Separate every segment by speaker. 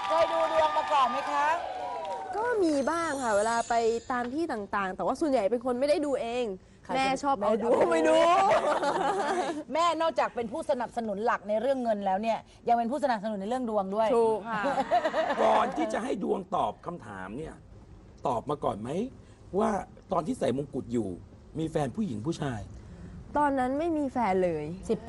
Speaker 1: เคยดูดวงมาก่อนไหมคะ
Speaker 2: ก็มีบ้างค่ะเวลาไปตามที่ต่างๆ แต่ว่าส่วนใหญ่เป็นคนไม่ได้ดูเอง แม่ชอบเอาดูไม่ดู
Speaker 1: แม่นอกจากเป็นผู้สนับสนุนหลักในเรื่องเงินแล้วเนี่ยยังเป็นผู้สนับสนุนในเรื่องดวงด้วย
Speaker 2: ถูกค่ะ
Speaker 3: ก่อนที่จะให้ดวงตอบคำถามเนี่ยตอบมาก่อนไหมว่าตอนที่ใส่มงกุฎอยู่ มีแฟนผู้หญิงผู้ชาย
Speaker 2: ตอนนั้นไม่มีแฟนเลย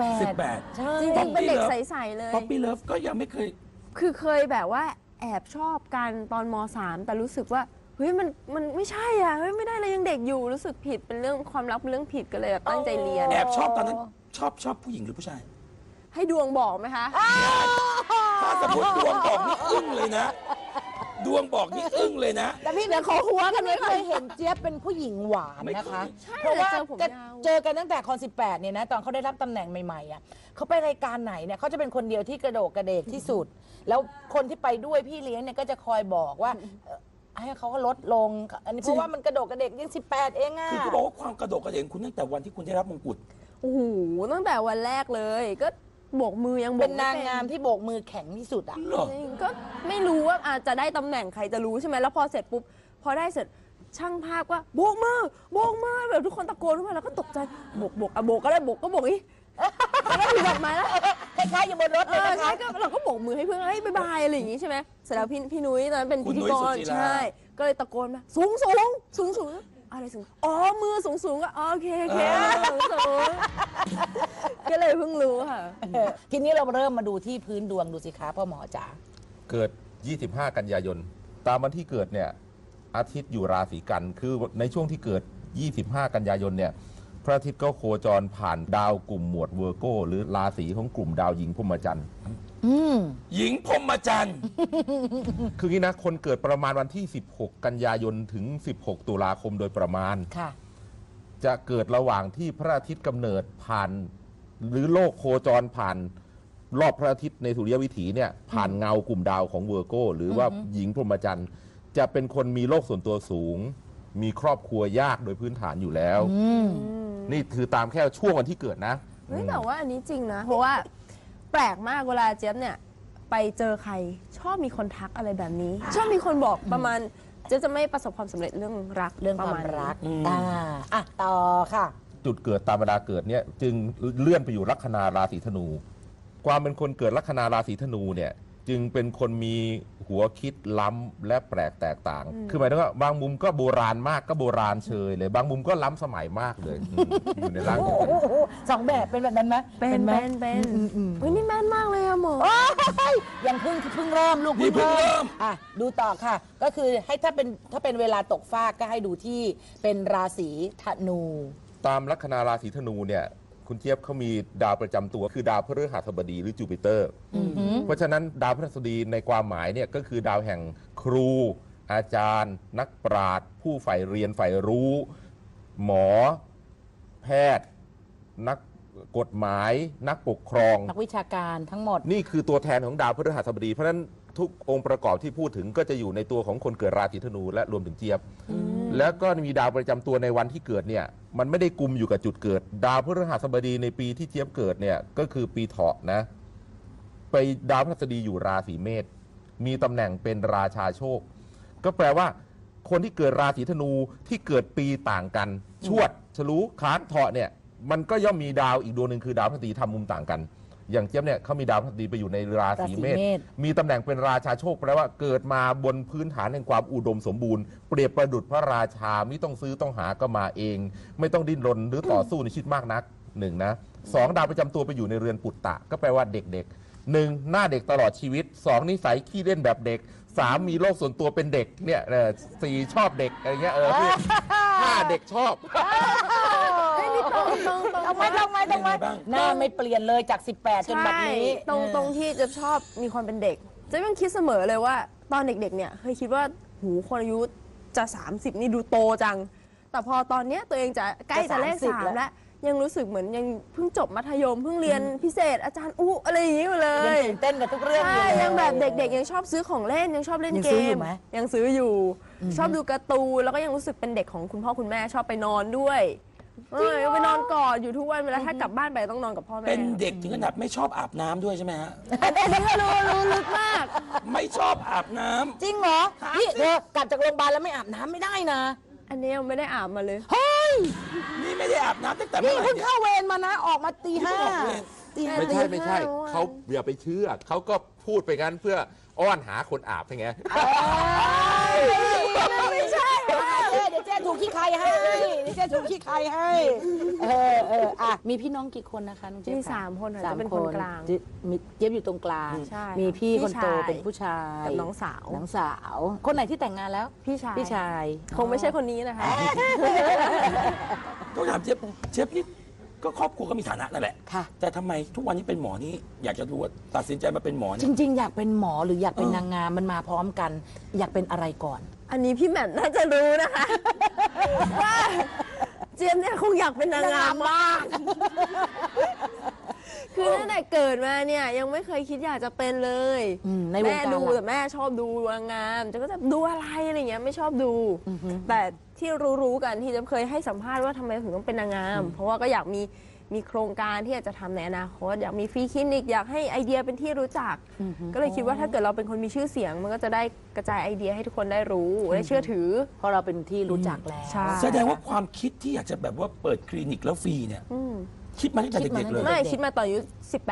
Speaker 1: 18 ใช่
Speaker 2: จริงๆเป็นเด็กใสๆเลย
Speaker 3: ป๊อปปี้เลิฟก็ยังไม่เคย
Speaker 2: คือเคยแบบว่าแอบชอบกันตอนม.3 แต่รู้สึกว่าเฮ้ยมันไม่ใช่อ่ะเฮ้ยไม่ได้เลยยังเด็กอยู่รู้สึกผิดเป็นเรื่องความรักเป็นเรื่องผิดก็เลยแบบตั้งใจเรียน
Speaker 3: แอบชอบตอนนั้นชอบผู้หญิงหรือผู้ชาย
Speaker 2: ให้ดวงบอกไหมคะ
Speaker 3: ถ้าสมมติดวงบอกนี่อึ้งเลยนะ ดวงบอกนี่อึ้งเลยนะ
Speaker 1: แต่พี่
Speaker 2: เดี๋ยวขอหัวกันไว้
Speaker 1: ไม่
Speaker 2: ก่
Speaker 1: เค
Speaker 2: อน
Speaker 1: ยเห็นเจี๊ยบเป็นผู้หญิงหวานนะคะ
Speaker 2: ใช่
Speaker 1: เพราะว่า
Speaker 2: เจอผมยาว
Speaker 1: เจอกันตั้งแต่คอน18เนี่ยนะตอนเขาได้รับตำแหน่งใหม่ๆอ่ะเขาไปรายการไหนเนี่ยเขาจะเป็นคนเดียวที่กระโดดกระเดกที่สุด แล้วคนที่ไปด้วยพี่เลี้ยงเนี่ยก็จะคอยบอกว่าให้เขาก็ลดลง อันนี้เพราะว่ามันกระโดดกระเดกยัง18เองอ่ะ
Speaker 3: คือเขาบอกว่าความกระโดดกระเด่งคุณตั้งแต่วันที่คุณได้รับมงกุฎ
Speaker 2: โอ้โหตั้งแต่วันแรกเลย ก็โบกมือยังโบก
Speaker 1: เป็นนาง
Speaker 2: ไม่
Speaker 1: งามที่โบกมือแข็งที่สุดอ่ะ
Speaker 3: เหรอ
Speaker 2: จริงก็ไม่รู้ว่าอาจจะได้ตำแหน่งใครจะรู้ใช่ไหมแล้วพอเสร็จปุ๊บพอได้เสร็จช่างภาพก็โบกมือโบกมือแบบทุกคนตะโกนขึ้นมาแล้วก็ตกใจโบกอ่ะโบกก็ได้โบกก็โบกอีแล้วก็ถือดอกไม้แล้ว
Speaker 1: คล้ายๆอยู่บนรถเลยนะ
Speaker 2: ใช่
Speaker 1: คะ
Speaker 2: ก็เราก็โบกมือให้เพื่อนเฮ้ยบ๊ายบายอะไรอย่างงี้ใช่ไหมเสร็จแล้วพี่นุ้ยตอนนั้นเป็น
Speaker 3: คุ
Speaker 2: พิ
Speaker 3: ณ
Speaker 2: ธี
Speaker 3: นุ้ย
Speaker 2: ก
Speaker 3: สุ
Speaker 2: ร
Speaker 3: จิรา
Speaker 2: ใช่ก็เลยตะโกนมาสูงอะไรสูงอ๋อมือสูงก็โอเคสูงก็เลยเพิ่งรู้ค่ะ
Speaker 1: ทีนี้เราเริ่มมาดูที่พื้นดวงดูสิคะพ่อหมอจ๋า
Speaker 4: เกิด 25 กันยายน ตามวันที่เกิดเนี่ย อาทิตย์อยู่ราศีกัน คือในช่วงที่เกิด 25 กันยายนเนี่ย พระอาทิตย์ก็โคจรผ่านดาวกลุ่มหมวดเวอร์โกหรือราศีของกลุ่มดาวหญิงพรหมจันทร์
Speaker 3: หญิงพรหมจันทร์
Speaker 4: คืองี้นะ คนเกิดประมาณวันที่ 16 กันยายนถึง 16 ตุลาคมโดยประมาณ
Speaker 1: ค่ะ
Speaker 4: จะเกิดระหว่างที่พระอาทิตย์กำเนิดผ่าน หรือโลกโคจรผ่านรอบพระอาทิตย์ในสุริยวิถีเนี่ยผ่านเงากลุ่มดาวของเวอร์โกหรือว่าหญิงพรหมจันทร์จะเป็นคนมีโลกส่วนตัวสูง มีครอบครัวยากโดยพื้นฐานอยู่แล้ว นี่คือตามแค่ช่วงวันที่เกิดนะ
Speaker 2: เฮ้ยแต่ว่าอันนี้จริงนะ เพราะว่าแปลกมากเวลาเจี๊ยบเนี่ยไปเจอใครชอบมีคนทักอะไรแบบนี้ ชอบมีคนบอกประมาณเจี๊ยบจะไม่ประสบความสำเร็จเรื่องรัก
Speaker 1: เรื่อง
Speaker 2: ป
Speaker 1: ค
Speaker 2: ระ
Speaker 1: วาม
Speaker 2: ณนี้
Speaker 1: รักอ่ะต่อค่ะ
Speaker 4: จุดเกิดตามเวลาเกิดเนี่ยจึงเลื่อนไปอยู่ลัคนาราศีธนู ความเป็นคนเกิดลัคนาราศีธนูเนี่ยจึงเป็นคนมีหัวคิดล้ำและแปลกแตกต่าง คือหมายถึงว่าบางมุมก็โบราณมากก็โบราณเชยเลย บางมุมก็ล้ำสมัยมากเลยอยู่ในร่างเดียวกัน
Speaker 1: สองแบบเป็นแบบนั้นไหม
Speaker 2: เป็น
Speaker 1: ไหม
Speaker 2: เฮ้ยนี่แม่นมากเลยอะหมอ
Speaker 1: โอ้ยยังเพิ่งเริ่มลูก
Speaker 3: นี่เพิ่งเริ่ม
Speaker 1: อ่ะดูต่อค่ะ ก็คือให้ถ้าเป็นเวลาตกฟากก็ให้ดูที่เป็นราศีธนู
Speaker 4: ตามลัคนาราศีธนูเนี่ยคุณเจี๊ยบเขามีดาวประจำตัวคือดาวพฤหัสบดีหรือจูปิเตอร์ เพราะฉะนั้นดาวพฤหัสบดีในความหมายเนี่ยก็คือดาวแห่งครู อาจารย์ นักปราชญ์ผู้ใฝ่เรียนใฝ่รู้ หมอ แพทย์ นักกฎหมาย นักปกครอง
Speaker 1: นักวิชาการทั้งหมด
Speaker 4: นี่คือตัวแทนของดาวพฤหัสบดี เพราะฉะนั้นทุกองค์ประกอบที่พูดถึงก็จะอยู่ในตัวของคนเกิดราศีธนูและรวมถึงเจี๊ยบ แล้วก็มีดาวประจำตัวในวันที่เกิดเนี่ยมันไม่ได้กุมอยู่กับจุดเกิด ดาวพฤหัสบดีในปีที่เจี๊ยบเกิดเนี่ยก็คือปีเถาะนะไปดาวพฤหัสบดีอยู่ราศีเมษมีตำแหน่งเป็นราชาโชค ก็แปลว่าคนที่เกิดราศีธนูที่เกิดปีต่างกัน ชวดฉลูค้านเถาะเนี่ยมันก็ย่อมมีดาวอีกดวงหนึ่งคือดาวพฤหัสบดีทำมุมต่างกัน อย่างเจี๊ยบเนี่ยเขามีดาวพฤหัสบดีไปอยู่ในราศีเมษ มีตำแหน่งเป็นราชาโชคแปลว่าเกิดมาบนพื้นฐานแห่งความอุดมสมบูรณ์เปรียบประดุจพระราชาไม่ต้องซื้อต้องหาก็มาเอง ไม่ต้องดิ้นรนหรือต่อสู้ในชีวิตมากนักหนึ่งนะสองดาวประจำตัวไปอยู่ในเรือนปุตตะก็แปลว่าเด็กๆหนึ่งหน้าเด็กตลอดชีวิตสองนิสัยขี้เล่นแบบเด็กสามมีโลกส่วนตัวเป็นเด็กเนี่ยสี่ชอบเด็กอะไรเงี้ยห้าเด็กชอบ
Speaker 2: เฮ้ยนี่ตรง
Speaker 1: เอาไหมหน้าไม่เปลี่ยนเลยจาก 18 จนแบบนี้
Speaker 2: ใช่ตรงที่จะชอบมีความเป็นเด็กจะยังคิดเสมอเลยว่าตอนเด็กๆเนี่ยเคยคิดว่าหูคนอายุจะ 30 นี่ดูโตจัง แต่พอตอนเนี้ยตัวเองจะใกล้จะเลข
Speaker 1: จะ30
Speaker 2: 3แล้วยังรู้สึกเหมือนยังเพิ่งจบมัธยมเพิ่งเรียนพิเศษอาจารย์อุ๊อะไรอย่างงี้อยู่เล
Speaker 1: ยัง
Speaker 2: ย
Speaker 1: ตื่นเต้นกับทุกเรื่องอ
Speaker 2: ใช่
Speaker 1: ยู่เลย
Speaker 2: ยังแบบเด็กๆยังชอบซื้อของเล่นยังชอบเล่น
Speaker 1: ยัง
Speaker 2: เก
Speaker 1: ซื้ออยู่
Speaker 2: ม
Speaker 1: ไหม
Speaker 2: ยังซื้ออยู่ ชอบดูการ์ตูนแล้วก็ยังรู้สึกเป็นเด็กของคุณพ่อคุณแม่ชอบไปนอนด้วยไปนอนกอดอยู่ทุกวันเวลาถ้ากลับบ้านไปต้องนอนกับพ่อแม่
Speaker 3: เป็นเด็กถึงขนาดไม่ชอบอาบน้ำด้วยใช่ไหมฮะ
Speaker 2: อันนี้ก็รู้ลึกมาก
Speaker 3: ไม่ชอบอาบน้ำ
Speaker 1: จริงเหรอ
Speaker 3: ครับ
Speaker 1: นี่เธอกลับจากโรงพยาบาลแล้วไม่อาบน้ำไม่ได้นะ
Speaker 2: อันนี้ยังไม่ได้อาบมาเลย
Speaker 1: เฮ้ย
Speaker 3: นี่ไม่ได้อาบน้ำตั้งแต่
Speaker 1: นี่
Speaker 3: เมื่อไหร่
Speaker 1: เพิ่ง
Speaker 3: เนี่ย
Speaker 1: เข้าเวรมานะ ออกมาตี
Speaker 3: นี่
Speaker 1: ห้า
Speaker 3: เพิ่งออกเวร
Speaker 1: ตีห้า
Speaker 4: ไม่ใช่ไม่ใช่
Speaker 2: เมื่อวาน
Speaker 4: เขาอย่าไปเชื่อเขาก็พูดไปงั้นเพื่ออ้อนหาคนอาบไง
Speaker 1: ไม่ใช่เดี๋ยวเจ๊ถูกขี้ใครให้เดี๋ยวเจ๊ถูกขี้ใครให้อ่ะมีพี่น้องกี่คนนะคะน้องเจ๊
Speaker 2: มี
Speaker 1: ค่ะ
Speaker 2: 3 คนค่ะ
Speaker 1: สาม
Speaker 2: จะเป็น
Speaker 1: ค
Speaker 2: คน
Speaker 1: น
Speaker 2: กลาง
Speaker 1: มีเจี๊ยบอยู่ตรงกลาง
Speaker 2: ใช่
Speaker 1: มีพี่คนโต
Speaker 2: พี่ชาย
Speaker 1: เป็นผู้ชาย
Speaker 2: กับน้องสาว
Speaker 1: น้องสาว คนไหนที่แต่งงานแล้ว
Speaker 2: พี่ชาย
Speaker 1: พี่ชาย
Speaker 2: คงไม่ใช่คนนี้นะคะ
Speaker 3: ต้องถามเชฟนี่ก็ครอบครัวก็มีฐานะนั่นแหละ
Speaker 1: ค่ะ
Speaker 3: แต่ทำไมทุกวันนี้เป็นหมอนี่อยากจะรู้ว่าตัดสินใจมาเป็นหมอ
Speaker 1: จ
Speaker 3: เนี่ย
Speaker 1: ริง ๆ อยากเป็นหมอหรืออยากเป็นนางงามมันมาพร้อมกัน อยากเป็นอะไรก่อน
Speaker 2: อันนี้พี่แหม่มน่าจะรู้นะคะ ว่าเจี๊ยบเนี่ยคงอยากเป็นนางงามมาก คือตั้งแต่เกิดมาเนี่ยยังไม่เคยคิดอยากจะเป็นเลย
Speaker 1: ในวง
Speaker 2: แม่
Speaker 1: การ
Speaker 2: ดู
Speaker 1: ล่ะ
Speaker 2: แต่แม่ชอบดูนางงามจะก็จะดูอะไรอะไรเงี้ยไม่ชอบดู แต่ที่รู้ๆกันที่จะเคยให้สัมภาษณ์ว่าทำไมถึงต้องเป็นนางงาม เพราะว่าก็อยากมีโครงการที่อยากจะทำในอนาคตอยากมีฟรีคลินิกอยากให้ไอเดียเป็นที่รู้จัก ก็เลยคิดว่าถ้าเกิดเราเป็นคนมีชื่อเสียง มันก็จะได้กระจายไอเดียให้ทุกคนได้รู้ได้เชื่อถือ
Speaker 1: เพราะเราเป็นที่รู้จักแล้ว
Speaker 2: ใช่
Speaker 3: แสดงว่าความคิดที่อยากจะแบบว่าเปิดคลินิกแล้วฟรีเนี่ย คิดมาตั้งแต่เด็กๆเลย
Speaker 2: ไม่คิดมาตอนอายุ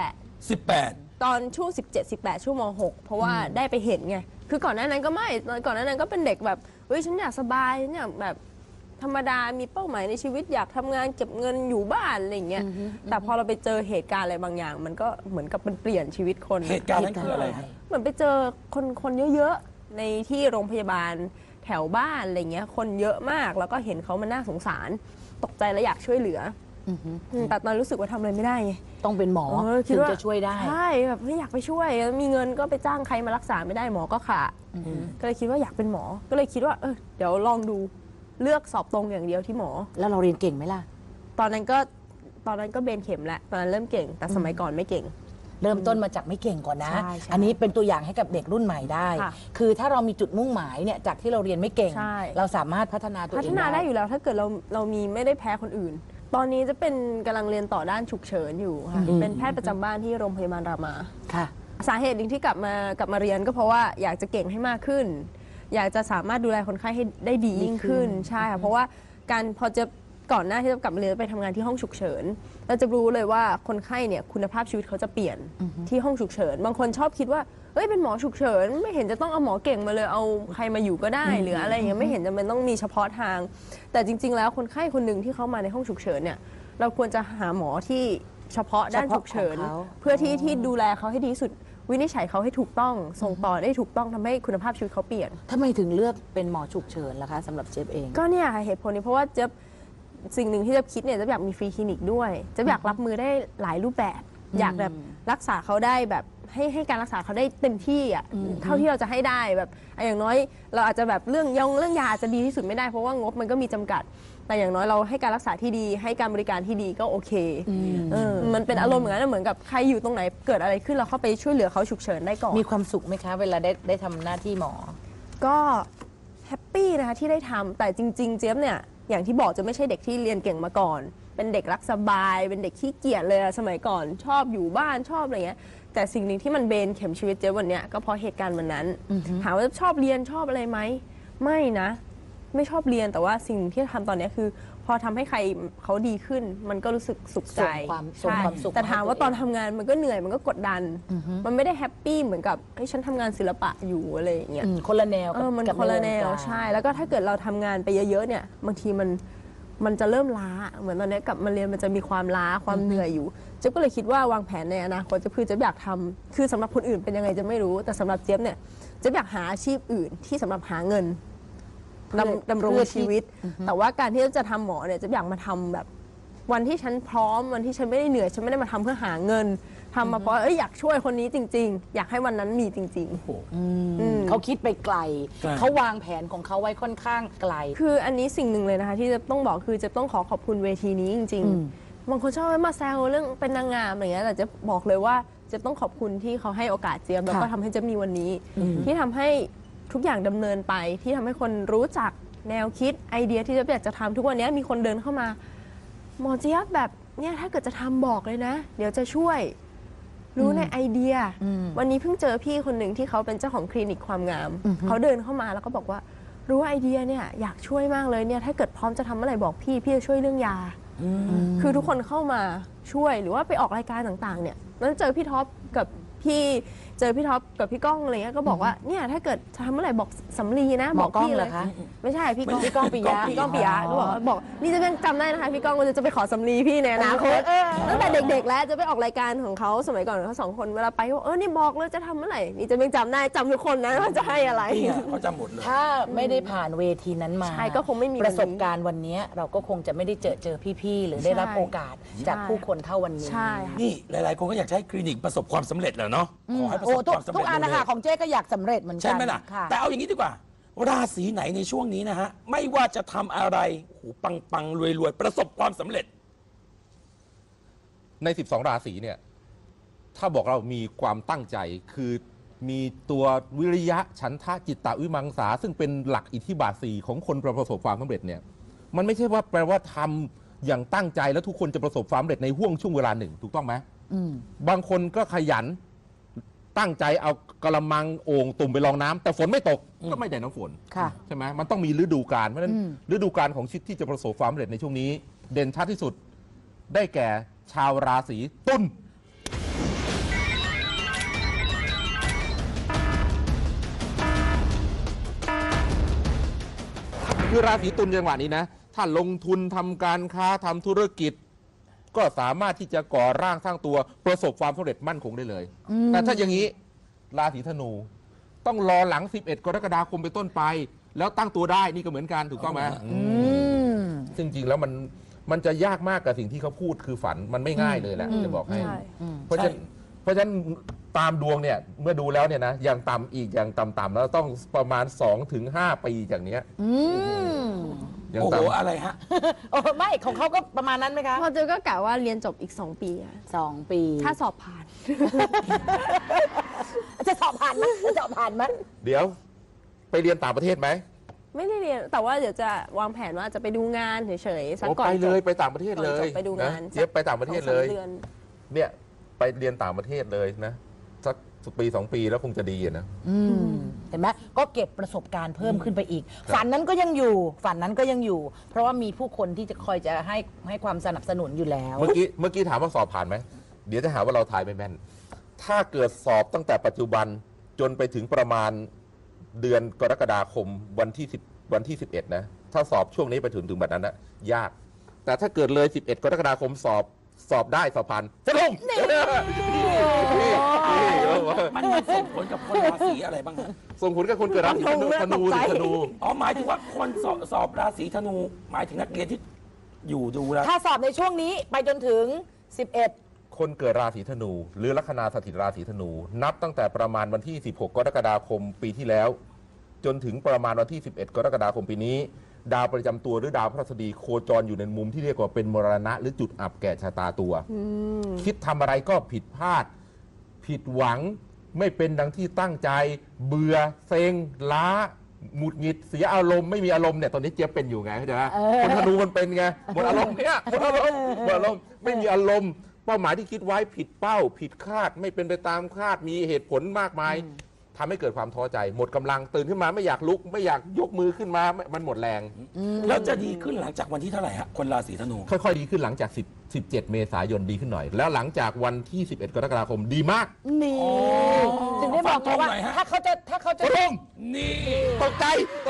Speaker 3: 18
Speaker 2: ตอนช่วง 17-18 ช่วงม .6 เพราะว่าได้ไปเห็นไง คือก่อนหน้านั้นก็ไม่ก่อนหน้านั้นก็เป็นเด็กแบบเฮ้ยฉันอยากสบายฉันอยากแบบธรรมดามีเป้าหมายในชีวิตอยากทำงานเก็บเงินอยู่บ้านอะไรอย่างเงี้ยแต่พอเราไปเจอเหตุการณ์อะไรบางอย่าง มันก็เหมือนกับมันเปลี่ยนชีวิตคน
Speaker 3: เหตุการณ์นั้นคืออะไรฮะ
Speaker 2: เหมือนไปเจอคนเยอะๆในที่โรงพยาบาลแถวบ้านอะไรเงี้ยคนเยอะมากแล้วก็เห็นเขามันน่าสงสารตกใจและอยากช่วยเหลือแต่ตอนรู้สึกว่าทำอะไรไม่ได้ไง
Speaker 1: ต้องเป็นหมอ
Speaker 2: คิด
Speaker 1: ถึง
Speaker 2: ว่า
Speaker 1: จะช่วยได้
Speaker 2: ใช่แบบไม่อยากไปช่วย มีเงินก็ไปจ้างใครมารักษาไม่ได้หมอก็ขาดก็เลยคิดว่าอยากเป็นหมอ ก็เลยคิดว่าเดี๋ยวลองดูเลือกสอบตรงอย่างเดียวที่หมอ
Speaker 1: แล้วเราเรียนเก่งไหมล่ะ
Speaker 2: ตอนนั้นก็เบนเข็มแล้วตอนนั้นเริ่มเก่ง แต่สมัยก่อนไม่เก่ง
Speaker 1: เริ่มต้นมาจากไม่เก่งก่อนนะ
Speaker 2: ใช่ใช่
Speaker 1: อันนี้เป็นตัวอย่างให้กับเด็กรุ่นใหม่ได้
Speaker 2: ค่ะ
Speaker 1: คือถ้าเรามีจุดมุ่งหมายเนี่ยจากที่เราเรียนไม่เก่ง
Speaker 2: ใช่
Speaker 1: เราสามารถพัฒนาตัวเอง
Speaker 2: พัฒนาได้อยู่แล้วถ้าเกิดเรามีไม่ได้แพ้คนอื่น ตอนนี้จะเป็นกำลังเรียนต่อด้านฉุกเฉินอยู่ค่ะเป็นแพทย์ประจำบ้านที่โรงพยาบาลรามา
Speaker 1: ค่ะ
Speaker 2: สาเหตุหนึ่งที่กลับมาเรียนก็เพราะว่าอยากจะเก่งให้มากขึ้น อยากจะสามารถดูแลคนไข้ให้ได้ดียิ่งขึ้นใช่ค่ะเพราะว่าการพอจะก่อนหน้าที่จะกลับมาเรียนไปทำงานที่ห้องฉุกเฉินเราจะรู้เลยว่าคนไข้เนี่ยคุณภาพชีวิตเขาจะเปลี่ยนที่ห้องฉุกเฉินบางคนชอบคิดว่าเอ้ยเป็นหมอฉุกเฉินไม่เห็นจะต้องเอาหมอเก่งมาเลยเอาใครมาอยู่ก็ได้หรืออะไรอย่างเงี้ยไม่เห็นจำเป็นต้องมีเฉพาะทาง แต่จริง ๆ แล้วคนไข้คนหนึ่งที่เขามาในห้องฉุกเฉินเนี่ยเราควรจะหาหมอที่เฉพาะด้านฉุกเฉิน
Speaker 1: เฉพาะของเขา
Speaker 2: เพื่อที่ดูแลเขาให้ดีที่สุดวินิจฉัยเขาให้ถูกต้องส่งต่อได้ถูกต้องทำให้คุณภาพชีวิตเขาเปลี่ยน
Speaker 1: ทำไมถึงเลือกเป็นหมอฉุกเฉินล่ะคะสำหรับเจฟเอง
Speaker 2: ก็เนี่ยค่ะเหตุผลนี้เพราะว่าเจะสิ่งหนึ่งที่เจะคิดเนี่ยเจะอยากมีฟรีคลินิกด้วยเจะอยากรับมือได้หลายรูปแบบ อยากแบบรักษาเขาได้แบบให้การรักษาเขาได้เต็มที่อ่ะเท่าที่เราจะให้ได้แบบอย่างน้อยเราอาจจะแบบเรื่องยาอาจจะดีที่สุดไม่ได้เพราะว่างบมันก็มีจำกัด แต่อย่างน้อยเราให้การรักษาที่ดี ให้การบริการที่ดีก็โอเคมันเป็นอารมณ์เหมือนกันนะเหมือนกับใครอยู่ตรงไหนเกิดอะไรขึ้นเราเข้าไปช่วยเหลือเขาฉุกเฉินได้ก่อน
Speaker 1: มีความสุขไหมคะ เวลาได้ทำหน้าที่หมอ
Speaker 2: ก็แฮปปี้นะคะที่ได้ทำแต่จริง ๆ เจี๊ยบเนี่ยอย่างที่บอกจะไม่ใช่เด็กที่เรียนเก่งมาก่อน เป็นเด็กรักสบาย เป็นเด็กขี้เกียจเลยอะสมัยก่อนชอบอยู่บ้านชอบอะไรเงี้ยแต่สิ่งหนึ่งที่มันเบนเข็มชีวิตเจี๊ยบวันเนี้ยก็เพราะเหตุการณ์วันนั้นถามว่าชอบเรียนชอบอะไรไหมไม่นะ ไม่ชอบเรียนแต่ว่าสิ่งที่ทำตอนเนี้ยคือ พอทำให้ใครเขาดีขึ้น มันก็รู้สึกสุขใจ
Speaker 1: ส่งความสุข
Speaker 2: แต่ถามว่าตอน
Speaker 1: ให้ตัวเอง
Speaker 2: ทำงานมันก็เหนื่อยมันก็กดดัน มันไม่ได้แฮปปี้เหมือนกับเฮ้ยฉันทำงานศิลปะอยู่อะไรอย่างเงี้ย
Speaker 1: คนละแนวกับ
Speaker 2: มัน
Speaker 1: กับ
Speaker 2: คนละแนว
Speaker 1: ใวงการ
Speaker 2: ใช่ แล้วก็ถ้าเกิดเราทำงานไปเยอะๆเนี่ยบางทีมันจะเริ่มล้าเหมือนตอนนี้กลับมาเรียนมันจะมีความล้าความเหนื่อยอยู่เจ๊ยบก็เลยคิดว่าวางแผนในอนาคตจะคือเจ๊ยบอยากทำคือสำหรับคนอื่นเป็นยังไงจะไม่รู้ แต่สำหรับเจ๊ยบเนี่ยเจ๊ยบอยากหาอาชีพอื่นที่สำหรับหาเงินดำรงชีวิต แต่ว่าการที่จะทำหมอเนี่ยเจ๊ยบอยากมาทำแบบวันที่ฉันพร้อมวันที่ฉันไม่ได้เหนื่อยฉันไม่ได้มาทำเพื่อหาเงินทำมาเพราะอยากช่วยคนนี้จริง ๆ อยากให้วันนั้นมีจริง ๆ
Speaker 1: เขาคิดไปไกล
Speaker 3: ไกล
Speaker 1: เขาวางแผนของเขาไว้ค่อนข้างไกล
Speaker 2: คืออันนี้สิ่งหนึ่งเลยนะคะที่จะต้องบอกคือจะต้องขอขอบคุณเวทีนี้จริงๆบางคนชอบมาแซวเรื่องเป็นนางงามอะไรเงี้ยแต่จะบอกเลยว่าจะต้องขอบคุณที่เขาให้โอกาสเจี๊ยบแล้วก็ทำให้เจี๊ยบมีวันนี้ ที่ทำให้ทุกอย่างดำเนินไปที่ทำให้คนรู้จักแนวคิดไอเดียที่เจี๊ยบอยากจะทำทุกวันนี้มีคนเดินเข้ามาหมอเจี๊ยบแบบเนี่ยถ้าเกิดจะทำบอกเลยนะ เดี๋ยวจะช่วยรู้ในไอเดีย วันนี้เพิ่งเจอพี่คนหนึ่งที่เขาเป็นเจ้าของคลินิกความงาม เขาเดินเข้ามาแล้วก็บอกว่ารู้ไอเดียเนี่ยอยากช่วยมากเลยเนี่ยถ้าเกิดพร้อมจะทำอะไรบอกพี่จะช่วยเรื่องยา คือทุกคนเข้ามาช่วยหรือว่าไปออกรายการต่างๆเนี่ยนั้นเจอพี่ท็อปกับพี่พี่ก้องอะไรเงี้ยก็บอกว่าเนี่ยถ้าเกิดจะทำเมื่อไหร่บอกสำลีนะ
Speaker 1: หม
Speaker 2: บ
Speaker 1: อ
Speaker 2: อก
Speaker 1: กล้อง
Speaker 2: พี่
Speaker 1: เหร
Speaker 2: เล
Speaker 1: อย คะ
Speaker 2: ไม่ใช่พี่ก้อง
Speaker 1: พี่ก้องปิยะ
Speaker 2: พี่ก้องปิยะก็บอกนี่จะเป็นจำได้นะคะพี่ก้องก็จะไปขอสำลีพี่ในอนาคตตั้งแต่เด็กๆแล้วจะไปออกรายการของเขาสมัยก่อนเขา2 คนเวลาไปเขานี่บอกเลยจะทำเมื่อไหร่นี่จะเป็นจำได้จำทุกคนนะว่าจะให้อะไร
Speaker 3: นี่ไงเขาจำหมดเลย
Speaker 1: ถ้าไม่ได้ผ่านเวทีนั้นมา
Speaker 2: ใช่ก็คงไม่มีวันนี้
Speaker 1: ประสบการณ์วันนี้เราก็คงจะไม่ได้เจอพี่ๆหรือได้รับ
Speaker 2: ใช่
Speaker 1: โอกาสจากผู้คนเท่าวันนี้
Speaker 2: ใช่ค่ะ
Speaker 3: นี่หลาย ๆ คนก็อยากจะให้คลินิกประสบความสำเร็จแหละเนาะขอให้ประสบความสำ
Speaker 1: ทุ
Speaker 3: เร็
Speaker 1: ก
Speaker 3: จ
Speaker 1: อันนะคะ
Speaker 3: เร็วๆ
Speaker 1: ของเจ๊ก็อยากสำเร็จเหมือนกัน
Speaker 3: ใช่ไหมล่ะ
Speaker 1: ค่ะ
Speaker 3: แต่เอาอย่างนี้ดีกว่า ราศีไหนในช่วงนี้นะฮะ ไม่ว่าจะทำอะไรโอ้โหปังๆรวยๆ ประสบความสำเร็จ
Speaker 4: ใน 12 ราศีเนี่ย ถ้าบอกเรามีความตั้งใจ คือมีตัววิริยะฉันทะจิตตวิมังสาซึ่งเป็นหลักอิทธิบาทสี่ของคนประสบความสำเร็จเนี่ย มันไม่ใช่ว่าแปลว่าทำอย่างตั้งใจแล้วทุกคนจะประสบความสำเร็จในห่วงช่วงเวลาหนึ่งถูกต้องไหมบางคนก็ขยันตั้งใจเอากระมังโอ่งตุ่มไปรองน้ำแต่ฝนไม่ตกก็ไม่ได้น้ำฝน
Speaker 1: ค่ะ
Speaker 4: ใช่ไหมมันต้องมีฤดูกาลเพราะฉะนั้นฤดูกาลของชีวิตที่จะประสบความสำเร็จในช่วงนี้ เด่นชัดที่สุดได้แก่ชาวราศีตุลคือราศีตุลจังหวะนี้นะถ้าลงทุนทำการค้าทำธุรกิจ ก็สามารถที่จะก่อร่างสร้างตัวประสบความสำเร็จมั่นคงได้เลย แต่ถ้าอย่างนี้ราศีธนูต้องรอหลัง 11 กรกฎาคมเป็นต้นไป แล้วตั้งตัวได้นี่ก็เหมือนกันถูกต้องไหมซึ่งจริงแล้วมันจะยากมากกับสิ่งที่เขาพูดคือฝันมันไม่ง่ายเลยแหละจะบอกให้
Speaker 2: ใช่
Speaker 4: เพราะฉะนั้นตามดวงเนี่ยเมื่อดูแล้วเนี่ยนะอย่างต่ำอีกอย่างต่ำๆแล้วต้องประมาณ 2-5 ปีจากเนี้ยอย่าง
Speaker 3: โอ้โห
Speaker 4: ต่ำ
Speaker 3: อะไรฮะ
Speaker 1: โอ้ไม่ของเขาก็ประมาณนั้นไหมคะ
Speaker 2: พอเจอก็กะว่าเรียนจบอีก 2 ปีอะ
Speaker 1: 2 ปี
Speaker 2: ถ้าสอบผ่าน
Speaker 1: จะสอบผ่านไหมจะสอบผ่านไหม
Speaker 4: เดี๋ยวไปเรียนต่างประเทศไหม
Speaker 2: ไม่ได้เรียนแต่ว่าเดี๋ยวจะวางแผนว่าจะไปดูงานเฉยๆสัก
Speaker 4: โอ้
Speaker 2: ก่อน
Speaker 4: ไปเลย
Speaker 2: จบ
Speaker 4: ไปต่างประเทศเลย
Speaker 2: ก่อนจบไปดูงาน
Speaker 4: เจี๊ยบไปต่างประเทศเลย
Speaker 2: 2-3 ดือน
Speaker 4: เนี่ยไปเรียนต่างประเทศเลยนะสักปี 2 ปีแล้วคงจะดีอะนะ
Speaker 1: เห็นไหมก็เก็บประสบการณ์เพิ่มขึ้นไปอีก ฝันนั้นก็ยังอยู่ ฝันนั้นก็ยังอยู่ เพราะว่ามีผู้คนที่จะคอยจะให้ความสนับสนุนอยู่แล้ว
Speaker 4: เมื่อกี้ถามว่าสอบผ่านไหมเดี๋ยวจะหาว่าเราทายไม่แม่น ถ้าเกิดสอบตั้งแต่ปัจจุบันจนไปถึงประมาณเดือนกรกฎาคมวันที่ 11 นะ ถ้าสอบช่วงนี้ไปถึงแบบนั้นนะยาก แต่ถ้าเกิดเลย 11 กรกฎาคมสอบได้สอบผ่านจะลงนี่
Speaker 3: มันส่งผลกับคนราศีอะไรบ้างฮะ
Speaker 4: ส่งผลกับคนเกิดราศีธนูธนู
Speaker 3: อ๋อหมายถึงว่าคนสอบราศีธนู หมายถึงนักเรียนที่อยู่ดูแล้ว
Speaker 1: ถ้าสอบในช่วงนี้ไปจนถึง 11
Speaker 4: คนเกิดราศีธนู หรือลัคนาสถิตราศีธนู นับตั้งแต่ประมาณวันที่ 16 กรกฎาคมปีที่แล้ว จนถึงประมาณวันที่ 11 กรกฎาคมปีนี้ ดาวประจำตัวหรือดาวพฤหัสบดีโคจรอยู่ในมุมที่เรียกว่าเป็นมรณะหรือจุดอับแก่ชะตาตัว คิดทำอะไรก็ผิดพลาด ผิดหวังไม่เป็นดังที่ตั้งใจ เบื่อเซ็งล้าหงุดหงิดเสียอารมณ์ไม่มีอารมณ์เนี่ยตอนนี้เจี๊ยบเป็นอยู่ไงเข้าใจไหมคนธนูมันเป็นไงหมดอารมณ์เนี่ยหมดอารมณ์ไม่มีอารมณ์เป้าหมายที่คิดไว้ผิดเป้า ผิดคาดไม่เป็นไปตามคาดมีเหตุผลมากมายทำให้เกิดความท้อใจ หมดกำลังตื่นขึ้นมาไม่อยากลุกไม่อยากยกมือขึ้นมามันหมดแรง
Speaker 3: แล้วจะดีขึ้นหลังจากวันที่เท่าไหร่ฮะคนราศีธนู
Speaker 4: ค่อยๆดีขึ้นหลังจาก17 เมษายนดีขึ้นหน่อย แล้วหลังจากวันที่ 11 กรกฎาคมดีมาก
Speaker 1: นี่ถึงได้บอกไงว่า
Speaker 3: ฟันธงหน่อยฮะ
Speaker 1: ถ้าเขาจะ
Speaker 4: ตรง
Speaker 3: นี่
Speaker 4: ตกใจ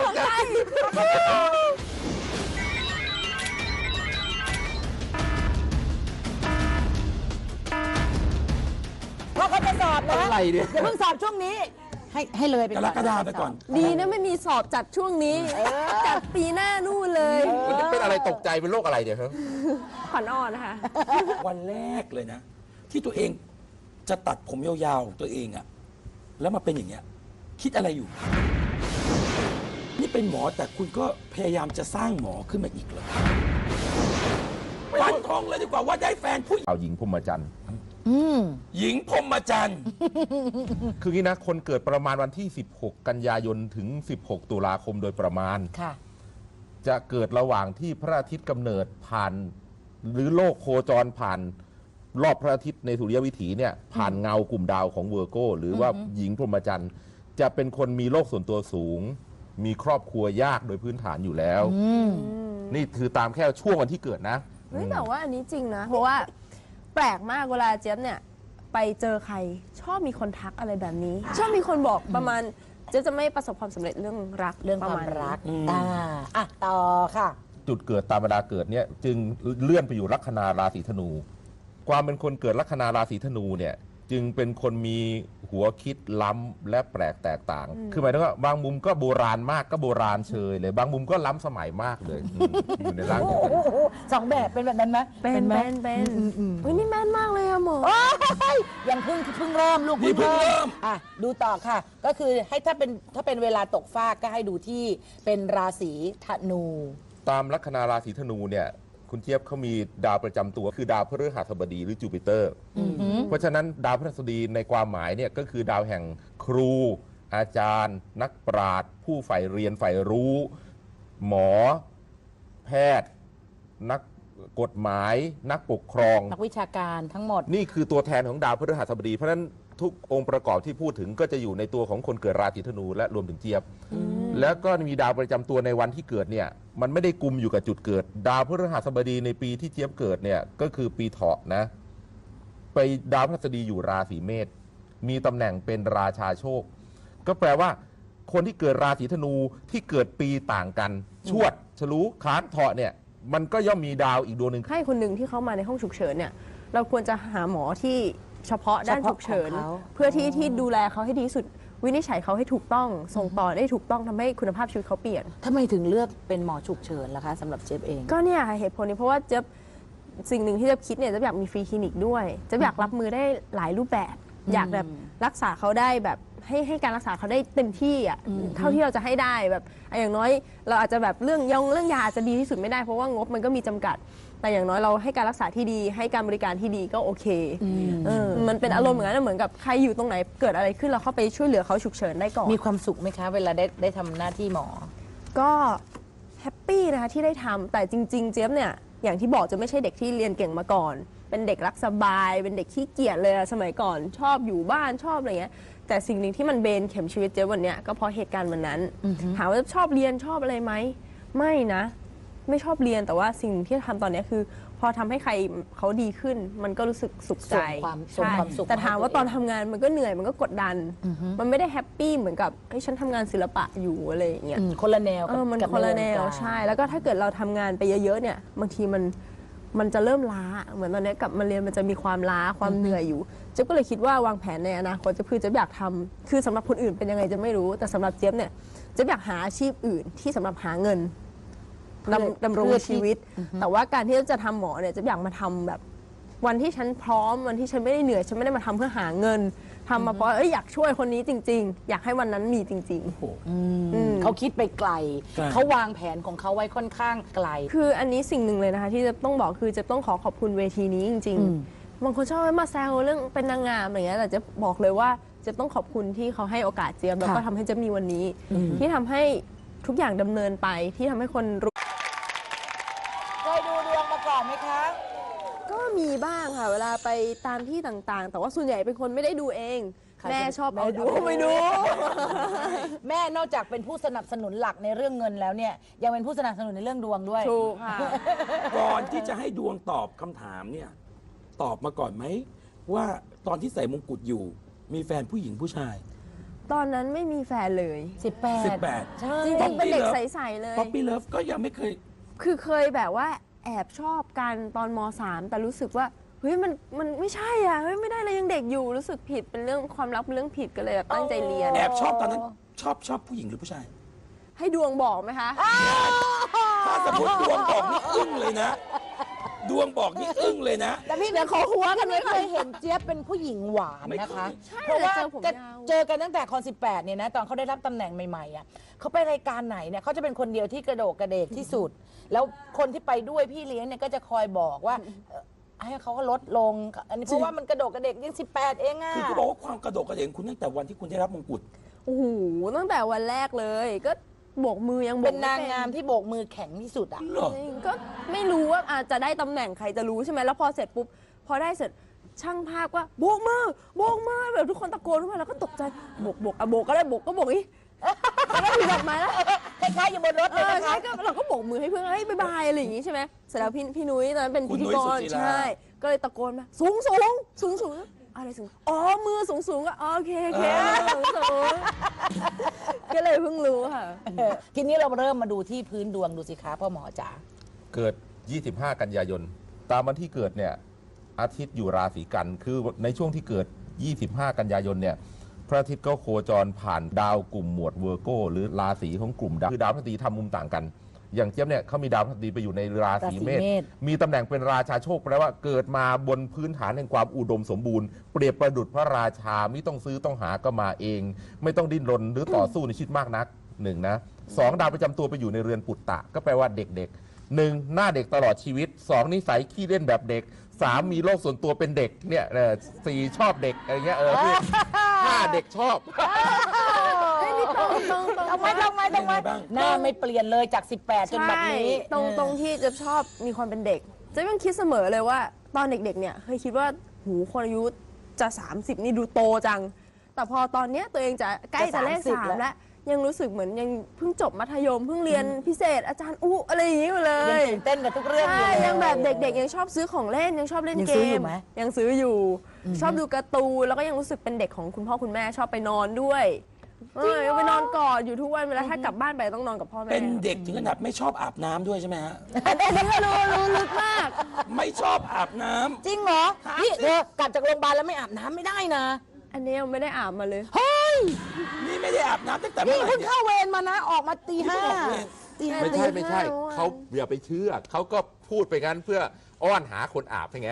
Speaker 1: เพราะเขาจะสอบนะ
Speaker 4: อะไรเนี่ย
Speaker 1: อย่าเพิ่งสอบช่วงนี้ ให้เลยไป
Speaker 3: ก
Speaker 1: ก่
Speaker 3: ร
Speaker 1: อน
Speaker 3: กฎาไปก่อน
Speaker 2: ดีนะไม่มีสอบจัดช่วงนี้ จัดปีหน้านู่นเลย
Speaker 4: มันจะเป็นอะไรตกใจเป็นโรคอะไรเนี่ยครับ
Speaker 2: ขวัญอ่อนนะคะ
Speaker 3: วันแรกเลยนะ ที่ตัวเองจะตัดผมยาวๆของตัวเองอะแล้วมาเป็นอย่างเงี้ย คิดอะไรอยู่ นี่เป็นหมอแต่คุณก็พยายามจะสร้างหมอขึ้นมาอีกเหรอฟันธงเลยดีกว่าว่าได้แฟนผู้
Speaker 4: เอาหญิงพรหมจันทร์
Speaker 3: หญิงพรหมจันทร์
Speaker 4: คืองี้นะคนเกิดประมาณวันที่ 16 กันยายนถึง 16 ตุลาคมโดยประมาณ
Speaker 1: ค่ะ
Speaker 4: จะเกิดระหว่างที่พระอาทิตย์กำเนิดผ่าน หรือโลกโคจรผ่านรอบพระอาทิตย์ในสุริยวิถีเนี่ยผ่านเงากลุ่มดาวของเวอร์โกหรือว่าหญิงพรหมจรรย์จะเป็นคนมีโลกส่วนตัวสูง มีครอบครัวยากโดยพื้นฐานอยู่แล้ว นี่คือตามแค่ช่วงวันที่เกิดนะ
Speaker 2: เฮ้ยแต่ว่าอันนี้จริงนะ เพราะว่าแปลกมากเวลาเจี๊ยบเนี่ยไปเจอใครชอบมีคนทักอะไรแบบนี้ ชอบมีคนบอกประมาณเจี๊ยบจะไม่ประสบความสำเร็จเรื่องรัก
Speaker 1: เรื่อง
Speaker 2: ป
Speaker 1: ค
Speaker 2: ระ
Speaker 1: วาม
Speaker 2: มาณ
Speaker 1: รัก
Speaker 2: นี้
Speaker 1: อ่ะต่อค่ะ
Speaker 4: จุดเกิดตามเวลาเกิดเนี่ยจึงเลื่อนไปอยู่ลัคนาราศีธนู ความเป็นคนเกิดลัคนาราศีธนูเนี่ยจึงเป็นคนมีหัวคิดล้ำและแปลกแตกต่าง คือหมายถึงว่าบางมุมก็โบราณมากก็โบราณเชยเลย บางมุมก็ล้ำสมัยมากเลยอยู่ในร่างเดียวกัน
Speaker 1: สองแบบเป็นแบบนั้นไหม
Speaker 2: เป็น
Speaker 1: ไหม
Speaker 2: เป็นเฮ้ยนี่แม่นมากเลยอะหมอ
Speaker 1: ยังเพิ่งเริ่มลูก
Speaker 3: นี่เพิ่งเริ่ม
Speaker 1: อ่ะดูต่อค่ะ ก็คือให้ถ้าเป็นเวลาตกฟากก็ให้ดูที่เป็นราศีธนู
Speaker 4: ตามลัคนาราศีธนูเนี่ยคุณเจี๊ยบเขามีดาวประจำตัวคือดาวพฤหัสบดีหรือจูปิเตอร์ เพราะฉะนั้นดาวพฤหัสบดีในความหมายเนี่ยก็คือดาวแห่งครู อาจารย์ นักปราชญ์ผู้ใฝ่เรียนใฝ่รู้ หมอ แพทย์ นักกฎหมาย นักปกครอง
Speaker 1: นักวิชาการทั้งหมด
Speaker 4: นี่คือตัวแทนของดาวพฤหัสบดีเพราะฉะนั้นทุกองค์ประกอบที่พูดถึงก็จะอยู่ในตัวของคนเกิดราศีธนูและรวมถึงเจี๊ยบ แล้วก็มีดาวประจำตัวในวันที่เกิดเนี่ยมันไม่ได้กุมอยู่กับจุดเกิด ดาวพฤหัสบดีในปีที่เจี๊ยบเกิดเนี่ยก็คือปีเถาะนะไปดาวพฤหัสบดีอยู่ราศีเมษมีตำแหน่งเป็นราชาโชค ก็แปลว่าคนที่เกิดราศีธนูที่เกิดปีต่างกันชวดฉลูค้านเถาะเนี่ยมันก็ย่อมมีดาวอีกดวงหนึ่ง
Speaker 2: ให้คนหนึ่งที่เขามาในห้องฉุกเฉินเนี่ยเราควรจะหาหมอที่เฉพาะด้านฉุกเฉิน
Speaker 1: เฉพาะของเขา
Speaker 2: เพื่อที่ดูแลเขาให้ดีที่สุดวินิจฉัยเขาให้ถูกต้องส่งต่อได้ถูกต้องทำให้คุณภาพชีวิตเขาเปลี่ยน
Speaker 1: ทำไมถึงเลือกเป็นหมอฉุกเฉินล่ะคะสำหรับเจฟเอง
Speaker 2: ก็เนี่ยเหตุผลนี้เพราะว่าเจ๊ยบสิ่งหนึ่งที่เจ๊ยบคิดเนี่ยเจ๊ยบอยากมีฟรีคลินิกด้วยเจ๊ยบอยากรับมือได้หลายรูปแบบ อยากแบบรักษาเขาได้แบบให้การรักษาเขาได้เต็มที่อ่ะเท่าที่เราจะให้ได้แบบอย่างน้อยเราอาจจะแบบเรื่องยาอาจจะดีที่สุดไม่ได้เพราะว่างบมันก็มีจำกัด แต่อย่างน้อยเราให้การรักษาที่ดีให้การบริการที่ดีก็โอเคมันเป็นอารมณ์เหมือนกันนะเหมือนกับใครอยู่ตรงไหนเกิดอะไรขึ้นเราเข้าไปช่วยเหลือเขาฉุกเฉินได้ก่อน
Speaker 1: มีความสุขไหมคะ เวลาได้ทำหน้าที่หมอ
Speaker 2: ก็แฮปปี้นะคะที่ได้ทำแต่จริงๆเจี๊ยบเนี่ยอย่างที่บอกจะไม่ใช่เด็กที่เรียนเก่งมาก่อน เป็นเด็กรักสบาย เป็นเด็กขี้เกียจเลยอะสมัยก่อนชอบอยู่บ้านชอบอะไรเงี้ยแต่สิ่งหนึ่งที่มันเบนเข็มชีวิตเจี๊ยบวันเนี้ยก็เพราะเหตุการณ์วันนั้นถามว่าชอบเรียนชอบอะไรไหมไม่นะไม่ชอบเรียนแต่ว่าสิ่งที่ทำตอนเนี้ยคือพอทำให้ใครเขาดีขึ้นมันก็รู้สึกสุขใจ
Speaker 1: ส่งความสุข
Speaker 2: แต่ถามว่า
Speaker 1: ให้ตัวเอง
Speaker 2: ตอนทำงานมันก็เหนื่อยมันก็กดดัน มันไม่ได้แฮปปี้เหมือนกับเฮ้ยฉันทำงานศิลปะอยู่อะไรอย่างเงี้ย
Speaker 1: คนละแนว
Speaker 2: มัน
Speaker 1: กับ
Speaker 2: คนละแนว
Speaker 1: ใวงการ
Speaker 2: ใช่ แล้วก็ถ้าเกิดเราทำงานไปเยอะๆเนี่ยบางทีมันจะเริ่มล้าเหมือนตอนนี้กลับมาเรียนมันจะมีความล้าความเหนื่อยอยู่เจ๊ยบก็เลยคิดว่าวางแผนในอนาคตจะคือเจ๊ยบอยากทำคือสำหรับคนอื่นเป็นยังไงจะไม่รู้แต่สำหรับเจ๊ยบเนี่ยเจ๊ยบอยากหาอาชีพอื่นที่สำหรับหาเงินดำรงชีวิต แต่ว่าการที่จะทำหมอเนี่ยเจ๊ยบอยากมาทำแบบวันที่ฉันพร้อมวันที่ฉันไม่ได้เหนื่อยฉันไม่ได้มาทำเพื่อหาเงินทำมาเพราะอยากช่วยคนนี้จริง ๆ อยากให้วันนั้นมีจริง ๆ
Speaker 1: เขาคิดไปไกล
Speaker 3: ไกล
Speaker 1: เขาวางแผนของเขาไว้ค่อนข้างไกล
Speaker 2: คืออันนี้สิ่งหนึ่งเลยนะคะที่จะต้องบอกคือจะต้องขอบคุณเวทีนี้จริงๆบางคนชอบมาแซวเรื่องเป็นนางงามอะไรเงี้ยแต่จะบอกเลยว่าจะต้องขอบคุณที่เขาให้โอกาสเจี๊ยบแล้วก็ทำให้เจี๊ยบมีวันนี้ ที่ทำให้ทุกอย่างดำเนินไปที่ทำให้คนรู้
Speaker 1: เคยดูดวงมาก่อนไหมคะ
Speaker 2: ก็มีบ้างค่ะเวลาไปตามที่ต่างๆ แต่ว่าส่วนใหญ่เป็นคนไม่ได้ดูเอง แม่ชอบเอาดูไปดู
Speaker 1: แม่นอกจากเป็นผู้สนับสนุนหลักในเรื่องเงินแล้วเนี่ยยังเป็นผู้สนับสนุนในเรื่องดวงด้วย
Speaker 2: ถูกค่ะ
Speaker 3: ก่อนที่จะให้ดวงตอบคำถามเนี่ยตอบมาก่อนไหมว่าตอนที่ใส่มงกุฎอยู่ มีแฟนผู้หญิงผู้ชาย
Speaker 2: ตอนนั้นไม่มีแฟนเลย
Speaker 1: 18 ใช่
Speaker 2: จริงๆเป็นเด็กใสๆเลย
Speaker 3: ป๊อปปี้เลิฟก็ยังไม่เคย
Speaker 2: คือเคยแบบว่าแอบชอบกันตอนม .3 แต่รู้สึกว่าเฮ้ยมันไม่ใช่อ่ะเฮ้ยไม่ได้เลยยังเด็กอยู่รู้สึกผิดเป็นเรื่องความรักเป็นเรื่องผิดก็เลยแบบตั้งใจเรียน
Speaker 3: แอบชอบตอนนั้นชอบผู้หญิงหรือผู้ชาย
Speaker 2: ให้ดวงบอกไหมคะ
Speaker 3: ถ้าสมมติดวงบอกนี่อึ้งเลยนะ ดวงบอกนี่อึ้งเลยนะ
Speaker 1: แต่พี่เดี๋ยวขอหัวกันไม่เคยเห็นเจี๊ยบเป็นผู้หญิงหวานนะคะ
Speaker 2: ใช่
Speaker 1: เพราะว่า
Speaker 2: เจอผม
Speaker 1: จะ
Speaker 2: ยาว
Speaker 1: เจอกันตั้งแต่คอน18เนี่ยนะตอนเขาได้รับตำแหน่งใหม่ๆอ่ะเขาไปรายการไหนเนี่ยเขาจะเป็นคนเดียวที่กระโดดกระเดกที่สุด แล้วคนที่ไปด้วยพี่เลี้ยงเนี่ยก็จะคอยบอกว่าให้เขาก็ลดลงอันนี้เพราะว่ามันกระโดดกระเดกยัง18เองอ่ะ
Speaker 3: คือเขาบอกว่าความกระโดดกระเด่นคุณตั้งแต่วันที่คุณได้รับมงกุฎ
Speaker 2: โอ้โหตั้งแต่วันแรกเลย ก็โบกมือยังโบก
Speaker 1: เป็น
Speaker 2: ไม่
Speaker 1: นางงามที่โบกมือแข็งที่สุดอ่ะ
Speaker 3: เหรอ
Speaker 2: จริงก็ไม่รู้ว่าอาจจะได้ตำแหน่งใครจะรู้ใช่ไหมแล้วพอเสร็จปุ๊บพพอได้เสร็จช่างภาพว่าโบกมือโบกมือแบบทุกคนตะโกนขึ้นมาแล้วก็ตกใจโบกโบกก็ได้โบกก็โบกอีแล้วก็ถือดอกไม้แล้ว
Speaker 1: คล้ายๆอยู่บนรถเลยนะ
Speaker 2: ใช่
Speaker 1: คะ
Speaker 2: ก็เราก็โบกมือให้เพื่อนเฮ้ยบ๊ายบายอะไรอย่างงี้ใช่ไหมเสร็จแล้วพี่นุ้ยตอนนั้นเป็น
Speaker 3: คุ
Speaker 2: พิ
Speaker 3: ณ
Speaker 2: ธี
Speaker 3: นุ้ย
Speaker 2: ก
Speaker 3: สุ
Speaker 2: ร
Speaker 3: จิรา
Speaker 2: ใช่ก็เลยตะโกนมาสูงอะไรสูงอ๋อมือสูงก็โอเคสูงก็เลยเพิ่งรู้ค่ะ
Speaker 1: ทีนี้เราเริ่มมาดูที่พื้นดวงดูสิคะพ่อหมอจ๋า
Speaker 4: เกิด 25 กันยายน ตามวันที่เกิดเนี่ยอาทิตย์อยู่ราศีกัน คือในช่วงที่เกิด 25 กันยายนเนี่ยพระอาทิตย์ก็โคจรผ่านดาวกลุ่มหมวดเวอร์โกหรือราศีของกลุ่มดาวคือดาวพฤหัสบดีทำมุมต่างกัน อย่างเจี๊ยบเนี่ยเขามีดาวพฤหัสบดีไปอยู่ในราศีเมษ มีตำแหน่งเป็นราชาโชคแปลว่าเกิดมาบนพื้นฐานแห่งความอุดมสมบูรณ์เปรียบประดุจพระราชาไม่ต้องซื้อต้องหาก็มาเอง ไม่ต้องดิ้นรนหรือต่อสู้ในชีวิตมากนักหนึ่งนะสองดาวประจำตัวไปอยู่ในเรือนปุตตะก็แปลว่าเด็กๆหนึ่งหน้าเด็กตลอดชีวิตสองนิสัยขี้เล่นแบบเด็กสามมีโลกส่วนตัวเป็นเด็กเนี่ยสี่ชอบเด็กอะไรเงี้ยห้าเด็กชอบ
Speaker 1: ทำไมหน้าไม่เปลี่ยนเลยจาก 18 จนบัดนี้
Speaker 2: ใช่ตรงที่จะชอบมีความเป็นเด็กจะยังคิดเสมอเลยว่าตอนเด็กๆเนี่ยเคยคิดว่าหูคนอายุจะ 30 นี่ดูโตจัง แต่พอตอนเนี้ยตัวเองจะใกล้จะเลข
Speaker 1: จะ30
Speaker 2: 3แล้วยังรู้สึกเหมือนยังเพิ่งจบมัธยมเพิ่งเรียนพิเศษอาจารย์อะไรอย่างนี้อยู่เล
Speaker 1: ยัง
Speaker 2: ย
Speaker 1: ตื่นเต้นกับทุกเรื่องอยู่
Speaker 2: ใช่
Speaker 1: เลย
Speaker 2: ยังแบบเด็กๆยังชอบซื้อของเล่นยังชอบเล่น
Speaker 1: ยัง
Speaker 2: เก
Speaker 1: ซื้ออยู่
Speaker 2: ม
Speaker 1: ไหม
Speaker 2: ยังซื้ออยู่ ชอบดูการ์ตูนแล้วก็ยังรู้สึกเป็นเด็กของคุณพ่อคุณแม่ชอบไปนอนด้วยยังไปนอนกอดอยู่ทุกวันเวลาถ้ากลับบ้านไปต้องนอนกับพ่อแม่
Speaker 3: เป็นเด็กถึงขนาดไม่ชอบอาบน้ำด้วยใช่ไหมฮะ
Speaker 2: อันนี้ก็รู้ลึกมาก
Speaker 3: ไม่ชอบอาบน้ำ
Speaker 1: จริงเหรอนี่เธอกลับจากโรงพยาบาลแล้วไม่อาบน้ำไม่ได้นะ
Speaker 2: อันนี้ยังไม่ได้อาบมาเลย
Speaker 1: เฮ้ย
Speaker 3: นี่ไม่ได้อาบน้ำตั้งแต่เมื่
Speaker 1: นี่
Speaker 3: อไหร่
Speaker 1: เพิ่ง
Speaker 3: เนี่ย
Speaker 1: เข้าเวรมานะออกมาตี
Speaker 3: นี่
Speaker 1: ห้า
Speaker 3: เพิ่งออกเวร
Speaker 1: ตีห้า
Speaker 4: ไม่ใช่เขาอย่าไปเชื่อเขาก็พูดไปงั้นเพื่ออ้อนหาคนอาบให้ไง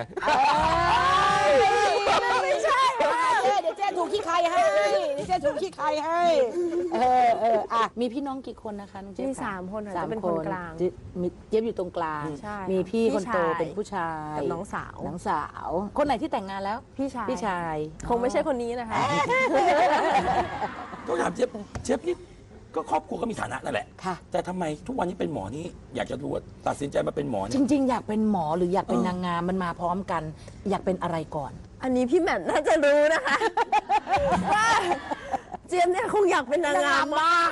Speaker 1: ไม่ใช่เดี๋ยวเจ๊ถูกขี้ใครให้เดี๋ยวเจ๊ถูกขี้ใครให้อ่ะมีพี่น้องกี่คนนะคะน้องเจ๊
Speaker 2: มี
Speaker 1: ค่ะ
Speaker 2: 3 คนค่ะ
Speaker 1: สาม
Speaker 2: จะเป็นคนกลาง
Speaker 1: มีเจี๊ยบอยู่ตรงกลาง
Speaker 2: ใช่
Speaker 1: มีพี่คนโต
Speaker 2: พี่ชาย
Speaker 1: เป็นผู้ชาย
Speaker 2: กับน้องสาว
Speaker 1: น้องสาว คนไหนที่แต่งงานแล้ว
Speaker 2: พี่ชาย
Speaker 1: พี่ชาย
Speaker 2: คงไม่ใช่คนนี้นะคะ
Speaker 3: ต้องถามเจี๊ยบนี่ก็ครอบครัวก็มีฐานะนั่นแหละ
Speaker 1: ค่ะ
Speaker 3: แต่ทำไมทุกวันนี้เป็นหมอนี่อยากจะรู้ว่าตัดสินใจมาเป็นหมอ
Speaker 1: จ
Speaker 3: เนี่ย
Speaker 1: ริง ๆ อยากเป็นหมอหรืออยากเป็นนางงามมันมาพร้อมกัน อยากเป็นอะไรก่อน
Speaker 2: อันนี้พี่แหม่มน่าจะรู้นะคะ ว่าเจี๊ยบเนี่ยคงอยากเป็นนางงามมาก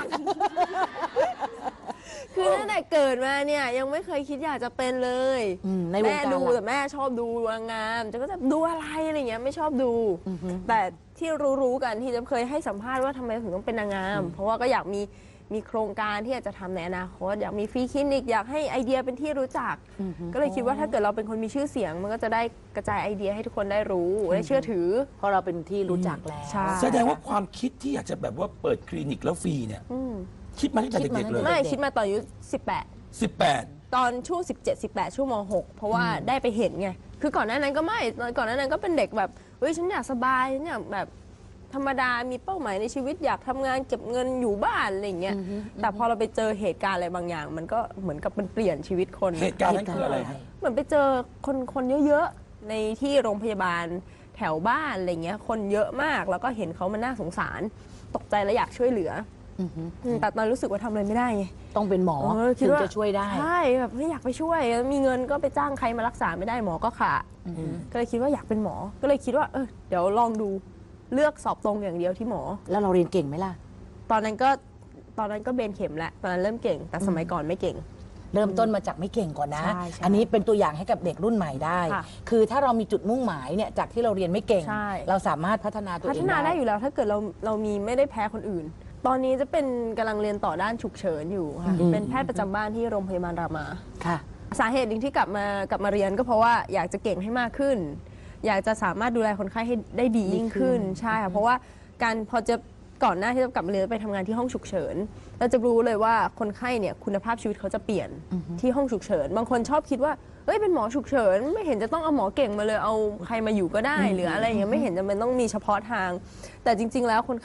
Speaker 2: คือตั้งแต่เกิดมาเนี่ยยังไม่เคยคิดอยากจะเป็นเลย
Speaker 1: ในวง
Speaker 2: แม่
Speaker 1: การ
Speaker 2: ดู
Speaker 1: ล่ะ
Speaker 2: แต่แม่ชอบดูนางงามจะก็จะดูอะไรอะไรเงี้ยไม่ชอบดู แต่ที่รู้ๆกันที่จะเคยให้สัมภาษณ์ว่าทำไมถึงต้องเป็นนางงาม เพราะว่าก็อยากมีโครงการที่อยากจะทำในอนาคตอยากมีฟรีคลินิกอยากให้ไอเดียเป็นที่รู้จัก ก็เลยคิดว่าถ้าเกิดเราเป็นคนมีชื่อเสียง มันก็จะได้กระจายไอเดียให้ทุกคนได้รู้ได้เชื่อถือ
Speaker 1: เพราะเราเป็นที่รู้จักแล้ว
Speaker 2: ใช่
Speaker 3: แสดงว่าความคิดที่อยากจะแบบว่าเปิดคลินิกแล้วฟรีเนี่ย คิดมาตั้งแต่
Speaker 1: คิดมา
Speaker 3: เด็กๆเลย
Speaker 2: ไม่คิดมาตอนอายุ
Speaker 3: 18
Speaker 2: ตอนช่วง 17-18 ช่วงม .6 เพราะว่าได้ไปเห็นไง คือก่อนหน้านั้นก็ไม่ก่อนหน้านั้นก็เป็นเด็กแบบเฮ้ยฉันอยากสบายฉันอยากแบบธรรมดามีเป้าหมายในชีวิตอยากทำงานเก็บเงินอยู่บ้านอะไรอย่างเงี้ยแต่พอเราไปเจอเหตุการณ์อะไรบางอย่าง มันก็เหมือนกับมันเปลี่ยนชีวิตคน
Speaker 3: เหตุการณ์นั้นคืออะไรฮะ
Speaker 2: เหมือนไปเจอคนเยอะๆในที่โรงพยาบาลแถวบ้านอะไรเงี้ยคนเยอะมากแล้วก็เห็นเขามันน่าสงสารตกใจและอยากช่วยเหลือแต่ตอนรู้สึกว่าทำอะไรไม่ได้ไง
Speaker 1: ต้องเป็นหมอ
Speaker 2: คิ
Speaker 1: ถึ
Speaker 2: ด
Speaker 1: ง
Speaker 2: ว่า
Speaker 1: จะช่วยได้
Speaker 2: ใช่แบบไม่อยากไปช่วยมีเงินก็ไปจ้างใครมารักษาไม่ได้หมอก็ขาดก็เลยคิดว่าอยากเป็นหมอก็เลยคิดว่าเดี๋ยวลองดูเลือกสอบตรงอย่างเดียวที่หมอ
Speaker 1: แล้วเราเรียนเก่งไหมล่ะ
Speaker 2: ตอนนั้นก็เบนเข็มแล้วตอนนั้นเริ่มเก่งแต่สมัยก่อนไม่เก่ง
Speaker 1: เริ่มต้นมาจากไม่เก่งก่อนนะ
Speaker 2: ใช่ใช่
Speaker 1: อันนี้เป็นตัวอย่างให้กับเด็กรุ่นใหม่ได้
Speaker 2: ค่ะ
Speaker 1: คือถ้าเรามีจุดมุ่งหมายเนี่ยจากที่เราเรียนไม่เก่ง
Speaker 2: ใช่
Speaker 1: เราสามารถพัฒนาตัว
Speaker 2: พั
Speaker 1: เอ
Speaker 2: ฒ
Speaker 1: ง
Speaker 2: นาได้
Speaker 1: ได้
Speaker 2: อยู่แล้วถ้าเกิดเรามีไม่ได้แพ้คนอื่น ตอนนี้จะเป็นกำลังเรียนต่อด้านฉุกเฉินอยู่ค่ะเป็นแพทย์ประจำบ้านที่โรงพยาบาลรามา
Speaker 1: ค่ะ
Speaker 2: สาเหตุหนึ่งที่กลับมาเรียนก็เพราะว่าอยากจะเก่งให้มากขึ้น อยากจะสามารถดูแลคนไข้ให้ได้ดียิ่งขึ้นใช่ค่ะเพราะว่าการพอจะก่อนหน้าที่จะกลับมาเรียนไปทำงานที่ห้องฉุกเฉินเราจะรู้เลยว่าคนไข้เนี่ยคุณภาพชีวิตเขาจะเปลี่ยนที่ห้องฉุกเฉินบางคนชอบคิดว่าเอ้ยเป็นหมอฉุกเฉินไม่เห็นจะต้องเอาหมอเก่งมาเลยเอาใครมาอยู่ก็ได้หรืออะไรอย่างเงี้ยไม่เห็นจำเป็นต้องมีเฉพาะทาง แต่จริง ๆ แล้วคน